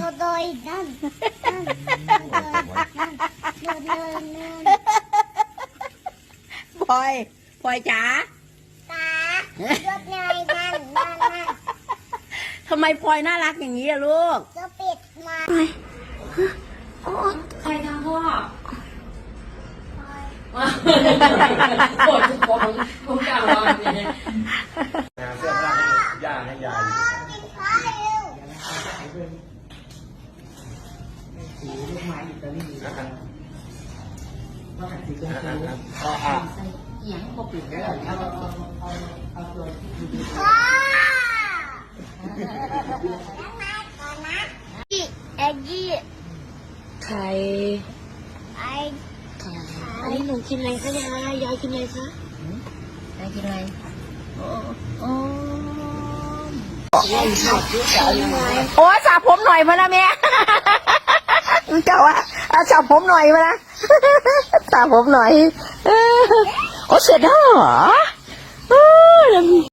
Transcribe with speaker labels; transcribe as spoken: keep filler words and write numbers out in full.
Speaker 1: โดยนั่นนั่นนั่นโดยนั่นนั่น
Speaker 2: พลอยพลอยจ๋า
Speaker 1: ตาโดยนั่นนั่นนั่นนั่น
Speaker 2: ทำไมพลอยน่ารักอย่างนี้อะลูก
Speaker 1: จะปิดมา
Speaker 3: ใครทำพ่อ
Speaker 1: คอย
Speaker 3: ปวดทุกคนทุกอย่างวันนี้
Speaker 4: เสื้อผ้าให้ย่าให้ยายอยู่
Speaker 1: กินข้าวเร็ว
Speaker 5: สีลูกไม้อิตาลี
Speaker 4: นะครับ
Speaker 5: ก็หันสีชมพู
Speaker 4: อ่าอ่า
Speaker 5: เอียงพอปิดแล้วเอาเอาเอาเอาตัวที่ดี
Speaker 1: พ่อแล้วมาก่อนนะอีเอ็กกี้
Speaker 3: ใคร
Speaker 1: ไอ
Speaker 3: อันนี้หนูกินอะไรคะยายยายกินอะไรคะ
Speaker 5: ได้กินอะไร
Speaker 2: โอ้สระผมหน่อยมาละแม่ เจ้าอะเอาสระผมหน่อยมาละ สระผมหน่อย เออโอ้เสร็จแล้วเหรอ